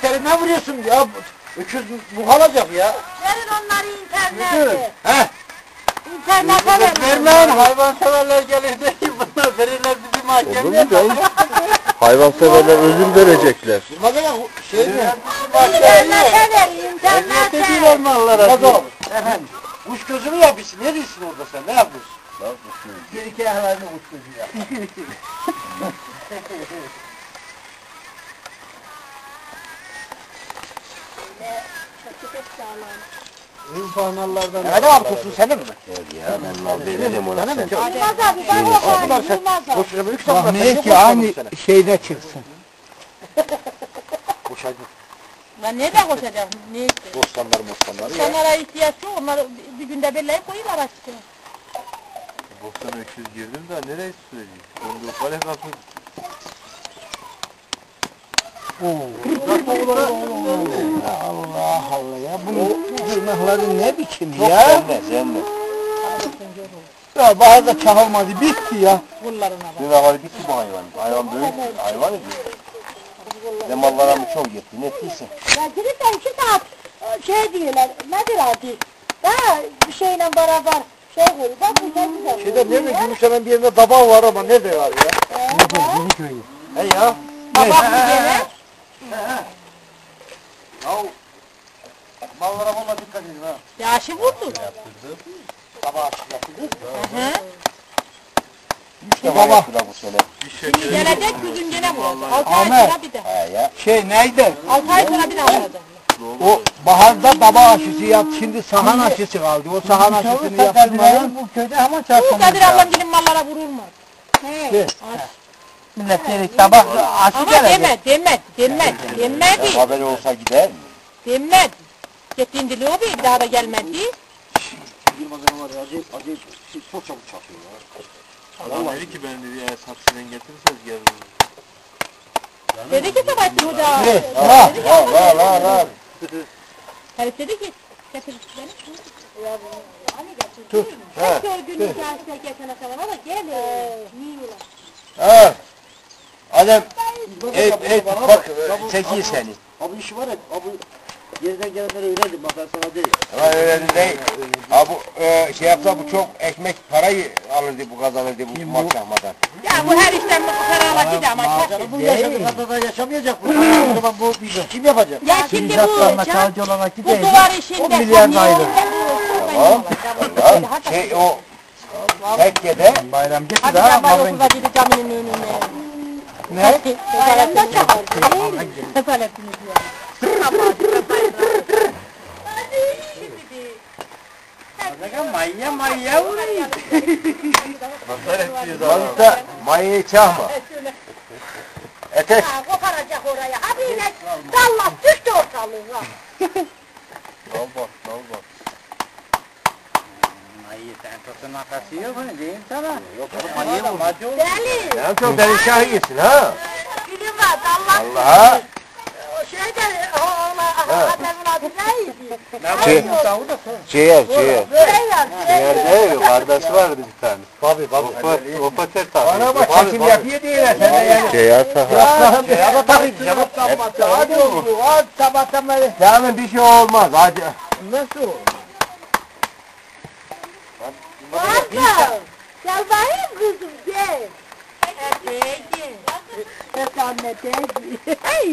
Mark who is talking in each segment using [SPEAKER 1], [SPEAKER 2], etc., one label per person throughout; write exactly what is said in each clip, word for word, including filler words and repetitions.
[SPEAKER 1] öküzleri ne vuruyorsun ya? Öküz bu kalacak ya.
[SPEAKER 2] Verin onları internete.
[SPEAKER 1] He?
[SPEAKER 2] İnternete verin.
[SPEAKER 1] Vermeyin, hayvanseverler gelir de ki bunlar verirler bizi mahkemeye.
[SPEAKER 3] Hayvanseverler özür verecekler.
[SPEAKER 1] Bilmem şey mi?
[SPEAKER 2] İnternete verin, internete.
[SPEAKER 1] Elbette değil olmalılar. Efendim, kuş gözü mü yapıyorsun? Ne diyorsun orada sen? Ne yapıyorsun? Ne yapıyorsun? Bir iki ayaklarını kuş gözü yap. İnsanlardan. Ne var kursun senin mi?
[SPEAKER 3] Ya ben veririm ona sen.
[SPEAKER 2] Yılmaz abi ben o var, Yılmaz abi.
[SPEAKER 1] Bak
[SPEAKER 4] niye ki aynı şeyde çıksın.
[SPEAKER 1] Koşacak.
[SPEAKER 2] Ben nereden koşacağım? Ne işte?
[SPEAKER 1] Bostanlar bostanlar.
[SPEAKER 2] İnsanlara ihtiyaç yok, onları bir günde belirleyip koyuyorlar açıkçası.
[SPEAKER 3] Bostan öküz girdim de nereye söyleyeyim? Onu da kale kapı.
[SPEAKER 4] Allah Allah ya bunun tırnakları ne biçim ya?
[SPEAKER 3] Yenmez yenmez.
[SPEAKER 4] Ya bazı çakılmadı bitti ya.
[SPEAKER 2] Kullarına bak.
[SPEAKER 3] Tırnakları bitti bu hayvan. Hayvan büyük. Hayvan ediyor. Demallara mı çok yetti? Ne ettiyse.
[SPEAKER 2] Ya gidip de iki saat şey diyorlar, nedir adı? Daha bir şeyle beraber şey koyuyor, bak bu çok güzel.
[SPEAKER 1] Şeyde nerede Gümüşhane'nin bir yerinde daba var ama nerede var ya? He ya.
[SPEAKER 2] Babam bir gene.
[SPEAKER 1] Ya mallara valla dikkat edin ha.
[SPEAKER 2] Yaşı vurdu.
[SPEAKER 1] Daba açık yapıldı.
[SPEAKER 2] Hı hı.
[SPEAKER 3] Üç defa yaptılar bu sene.
[SPEAKER 2] Şimdi gelecek bir gün gene vuracak. Altı ay
[SPEAKER 4] Ahmet.
[SPEAKER 2] sonra bir de.
[SPEAKER 3] He ya.
[SPEAKER 4] Şey neydi?
[SPEAKER 2] Altı ay sonra bir daha vuracak.
[SPEAKER 4] O baharda daba aşısı yap, şimdi sahan aşısı kaldı. O sahan aşısını yaptırmayın.
[SPEAKER 1] Bu köyde hemen
[SPEAKER 2] Bu Kadir ablam gelin mallara vurulmaz. He.
[SPEAKER 4] Millet dedik sabah aşı
[SPEAKER 2] Ama
[SPEAKER 4] gelecek.
[SPEAKER 2] deme, deme, deme, demedi,
[SPEAKER 3] Haberi olsa gider mi?
[SPEAKER 2] demedi. Gittiğin dili o bir daha da gelmedi.
[SPEAKER 1] Yılmaz Hanım var ya acayip acayip çok çabuk çakıyor ya.
[SPEAKER 3] Adam dedi ki ben dedi eğer saksiden getirirseniz gelirim.
[SPEAKER 2] Dedi ki Sabahattin Hoca.
[SPEAKER 4] Ne?
[SPEAKER 2] Dedi
[SPEAKER 4] Ha,
[SPEAKER 2] ki,
[SPEAKER 3] La la la la.
[SPEAKER 2] herif dedi ki, getir beni. Hani getir.
[SPEAKER 4] Tut.
[SPEAKER 2] Hep gördüğünüz yaşta geçene kadar ama gel. Niye ulan?
[SPEAKER 3] Ha. Adam et et bak çekiyor seni.
[SPEAKER 1] Abi işi var ya abi yerden gelenlere öğrendim bak ben sana değil.
[SPEAKER 3] Ama öyle değil. Ha bu e, şey yapsa bu çok ekmek parayı alırdı bu kazanırdı bu mahkemadan.
[SPEAKER 2] Ya bu her işten bu kararlaşıydı ama çok.
[SPEAKER 1] Bu yaşadığı kadar da yaşamayacak bu. O zaman bu kim yapacak?
[SPEAKER 2] Ya şimdi bu, bu duvar işinde.
[SPEAKER 4] on milyar da ayrı.
[SPEAKER 3] Tamam. Tamam. Şey o tekkede
[SPEAKER 4] Bayram gitti
[SPEAKER 2] Hadi
[SPEAKER 4] daha.
[SPEAKER 2] ben bana okuda gidi caminin önüne.
[SPEAKER 4] Ne?
[SPEAKER 2] Bayramda çakar. Sefaletiniz ya.
[SPEAKER 4] Maya maya vuruyor.
[SPEAKER 3] Fazla mayayı çağma. Etek.
[SPEAKER 2] Ha, koparacak oraya. Hadi yine dallas düştü ortalığa.
[SPEAKER 3] Al bak al bak.
[SPEAKER 4] Mayı sen tutun makası yok mu diyeyim sana.
[SPEAKER 3] Yok
[SPEAKER 4] Mayı vurdu.
[SPEAKER 2] Deli.
[SPEAKER 3] sen çok deli şahiyesin ha.
[SPEAKER 2] Gülüm var dallas.
[SPEAKER 3] Allah'a.
[SPEAKER 2] O şeyde o oğlan adamın adı neydi?
[SPEAKER 3] Şey, ciğer ciğer.
[SPEAKER 2] Süreyya.
[SPEAKER 3] Ciğer değil kardeş vardı bir tane.
[SPEAKER 1] Tabii tabii.
[SPEAKER 3] O pater tabii.
[SPEAKER 4] Bana bak çekim yapıyor diyorlar sen de yani.
[SPEAKER 3] Ciğer tabii.
[SPEAKER 1] Ya da tabii cevap kalmadı.
[SPEAKER 4] Hadi oğlum hadi sabahtan beri.
[SPEAKER 3] Yani bir şey olmaz hadi.
[SPEAKER 4] Nasıl?
[SPEAKER 2] Varsa. Gel bakayım kızım gel. Değdi. Hep anne değdi. Hey.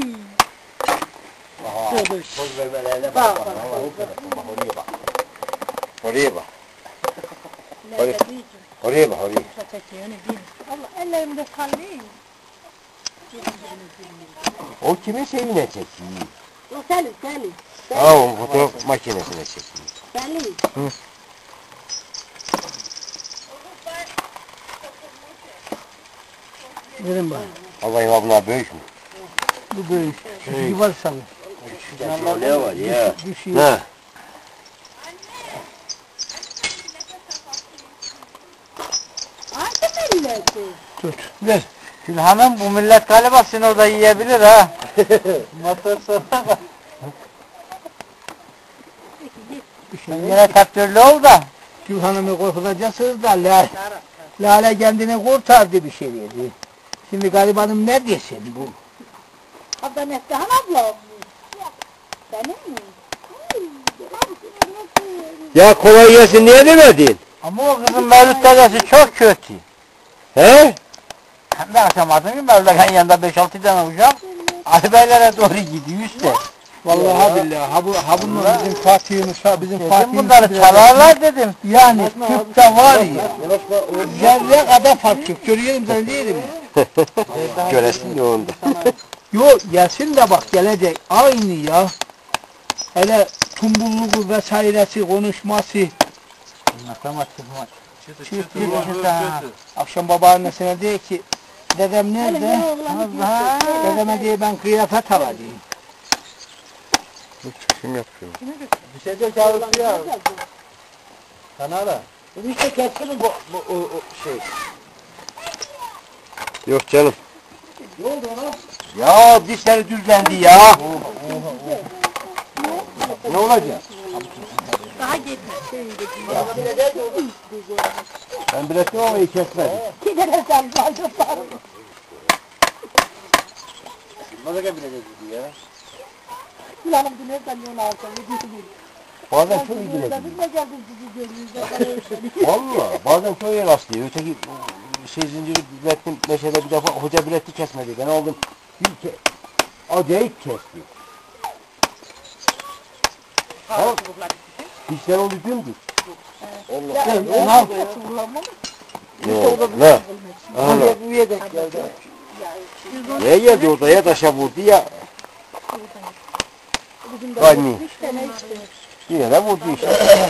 [SPEAKER 1] Söz vermelerine
[SPEAKER 2] Bak
[SPEAKER 1] bak.
[SPEAKER 2] bak.
[SPEAKER 1] Bak oraya bak.
[SPEAKER 3] Oraya bak.
[SPEAKER 2] Nerede
[SPEAKER 3] Oraya bak oraya.
[SPEAKER 2] Allah ellerimde kalıyor.
[SPEAKER 3] O kimin şeyine çekiyor?
[SPEAKER 2] O Selim, Selim.
[SPEAKER 3] Ha o fotoğraf makinesine çekiyor.
[SPEAKER 2] Selim.
[SPEAKER 4] Verin bana.
[SPEAKER 3] Allah'ım abla büyük mü?
[SPEAKER 4] Bu büyük. Şu var sana.
[SPEAKER 3] Ne var ya?
[SPEAKER 4] Düşüyor.
[SPEAKER 3] Ne?
[SPEAKER 2] Hangi milleti?
[SPEAKER 4] Tut. Ver. Şimdi hanım bu millet galiba seni orada yiyebilir ha. Motor sonra. Sen yine kaptörlü ol da. Gül hanımı korkutacaksınız da Lale, Lale kendini kurtardı bir şey dedi. Şimdi garibanım ne desin bu?
[SPEAKER 2] Abla Neslihan abla. Benim mi?
[SPEAKER 3] Ya kolay gelsin niye demedin?
[SPEAKER 4] Ama o kızın Mevlüt dedesi çok kötü.
[SPEAKER 3] He?
[SPEAKER 4] Hem de akşamadın ki Mevlüt'ün yanında beş altı tane uşak. Ali Beylere doğru gidiyor işte.
[SPEAKER 1] Vallahi billahi ha bu ha bunlar bizim Fatih'imiz ha bizim
[SPEAKER 4] Dedim
[SPEAKER 1] Fatih'imiz.
[SPEAKER 4] bunları çalarlar dedim. Yani Türk'te var ya. Zerre kadar fark yok. Görüyorum sen değil mi?
[SPEAKER 3] Göresin de onda.
[SPEAKER 4] Yok gelsin de bak gelecek. Aynı ya. Hele tumbulluğu vesairesi konuşması. Matematik maç. Çıtı çıtı. Akşam babaannesine diyor ki dedem nerede? Allah. Dedeme diye ben kıyafet alacağım.
[SPEAKER 3] Kim yapıyor?
[SPEAKER 1] Bir şey de çalışıyor. Kanala. Bu işte keskin bu, bu o, o şey.
[SPEAKER 3] Yok canım.
[SPEAKER 1] Ne oldu ona?
[SPEAKER 3] Ya dişleri düzlendi ya. Ne olacak?
[SPEAKER 2] Daha gitme.
[SPEAKER 3] Ben biletim ama iyi kesmedim.
[SPEAKER 2] Gidene sen fazla sarı.
[SPEAKER 1] Nasıl bilecek bu ya?
[SPEAKER 2] Kulağım dinlersen yol alsam. Gidiyor.
[SPEAKER 3] Bazen çok iyi biletim.
[SPEAKER 2] Biz de geldik sizi görüyoruz.
[SPEAKER 3] Valla bazen çok iyi rastlıyor. Öteki şey zinciri bilettim meşede bir defa hoca bileti kesmedi. Ben oldum bir ke acayip kesti. Ha? Dişler oldu dümdüz. Allah. Ne? Ne? Allah. Neye geldi odaya taşa vurdu ya. Gani. Yine de vurdu işte.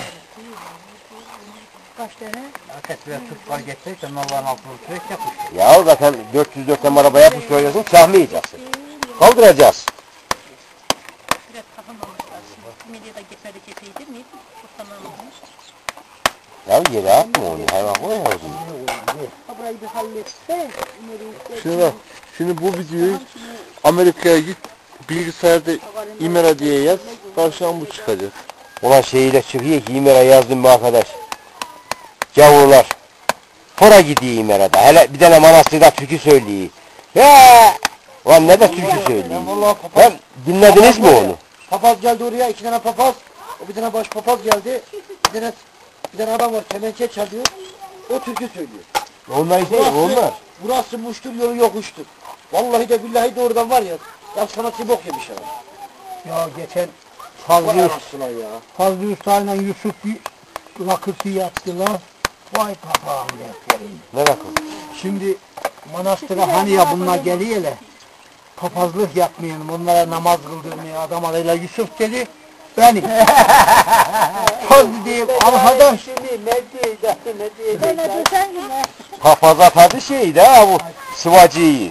[SPEAKER 2] Kaç tane?
[SPEAKER 4] Ateşle tut fark ettiysen Allah'ın altına süreç yapmış.
[SPEAKER 3] Ya zaten dört yüz dörtten araba yapmış koyacaksın, çahmayacaksın. Kaldıracağız.
[SPEAKER 2] Biraz kafam almışlar. Medyada gitmedi gitmeydi mi? Kurtarmam olmuş.
[SPEAKER 3] Ya yere atma onu, hayvan koy havuzunu.
[SPEAKER 2] Burayı bir halletse.
[SPEAKER 5] Şimdi bak, şimdi bu videoyu Amerika'ya git, bilgisayarda İmera diye yaz, karşıdan bu çıkacak.
[SPEAKER 3] Ulan şeyiyle çıkıyor ki İmer'a yazdım bu arkadaş. Gavurlar. Fora gidiyor İmera'da. Hele bir tane manastırda türkü söylüyor. Ya! Ulan ne de türkü söylüyor. Hem dinlediniz mi onu?
[SPEAKER 1] Papaz geldi oraya, iki tane papaz. O bir tane baş papaz geldi. Bir tane bir tane adam var, kemençe çalıyor. O türkü söylüyor.
[SPEAKER 3] Onlar işte onlar.
[SPEAKER 1] Burası muştur, yolu yokuştur. Vallahi de billahi de oradan var ya. Ya sanatçı bok yemiş adam.
[SPEAKER 4] Ya geçen
[SPEAKER 1] Vay
[SPEAKER 4] Fazlı,
[SPEAKER 1] anasına ya.
[SPEAKER 4] Fazlı Usta'yla Yusuf bir lakırtı yaptılar. Vay papağan defterim.
[SPEAKER 3] Ne rakım?
[SPEAKER 4] Şimdi manastıra hani ya bunlar geliyorlar. Papazlık yapmayalım, onlara namaz kıldırmaya adam arayla Yusuf dedi. Benim. Fazlı diyeyim, arkadaş.
[SPEAKER 1] Şimdi ne diyecek, ne diyecek?
[SPEAKER 2] Ben de sen gibi.
[SPEAKER 3] Papaza tadı şeydi ha bu sıvacıyı.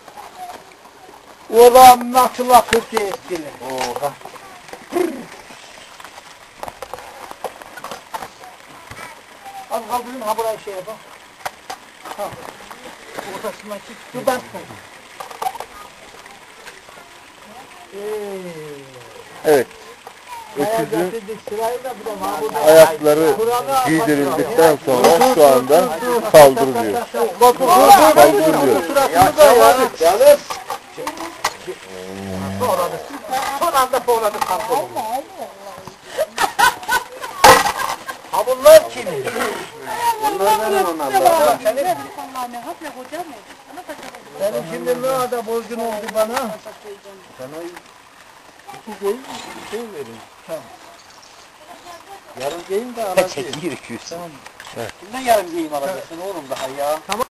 [SPEAKER 4] Orada nasıl lakırtı ettiler.
[SPEAKER 3] Oha.
[SPEAKER 4] Az kaldırın ha buraya şey yapalım. Ha. Ortasından çık. Şuradan çık.
[SPEAKER 5] Evet. Öküzün ayakları giydirildikten sonra şu anda kaldırılıyor. Kaldırılıyor.
[SPEAKER 3] Canım.
[SPEAKER 4] Son anda povladı kanka. Ha bunlar kim?
[SPEAKER 1] Bunlardan onlardan.
[SPEAKER 4] Benim şimdi ne kadar borcun oldu bana?
[SPEAKER 1] Sana iki değil, şey verin. Tamam. Yarın gelin de alacağız.
[SPEAKER 3] Çekil iki yüz.
[SPEAKER 1] Tamam. Kimden yarın gelin alacaksın oğlum daha ya? Tamam.